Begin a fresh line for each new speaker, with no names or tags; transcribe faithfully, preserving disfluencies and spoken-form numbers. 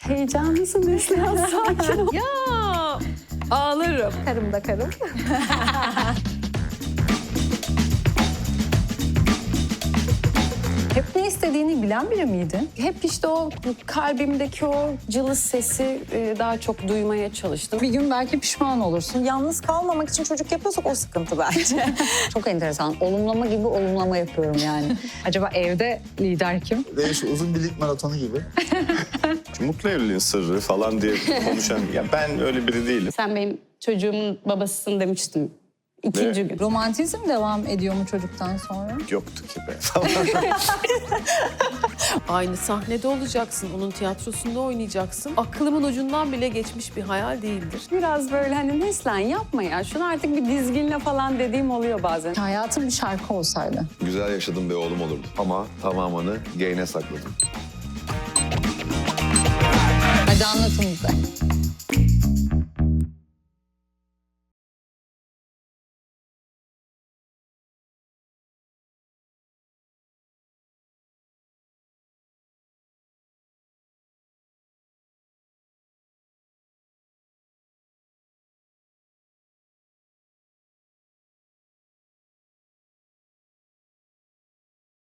Heyecanlısın Neslihan, sakin ol.
Ya ağlarım.
Karım da karım. Hep ne istediğini bilen biri miydin?
Hep işte o kalbimdeki o cılız sesi e, daha çok duymaya çalıştım.
Bir gün belki pişman olursun.
Yalnız kalmamak için çocuk yapıyorsak o sıkıntı bence.
Çok enteresan. Olumlama gibi olumlama yapıyorum yani. Acaba evde lider kim?
Ve şu uzun bir lig maratonu gibi.
Mutlu evliliğin sırrı falan diye konuşan... Ya ben öyle biri değilim.
Sen benim çocuğumun babasısın demiştim. İkinci gün.
Romantizm devam ediyor mu çocuktan sonra?
Yoktu ki be.
Aynı sahnede olacaksın, onun tiyatrosunda oynayacaksın. Aklımın ucundan bile geçmiş bir hayal değildir.
Biraz böyle hani Neslihan yapma ya. Şunu artık bir dizginle falan dediğim oluyor bazen.
Hayatım bir şarkı olsaydı.
Güzel yaşadığım bir oğlum olurdu. Ama tamamını gain'e sakladım.
Hadi anlatın bize.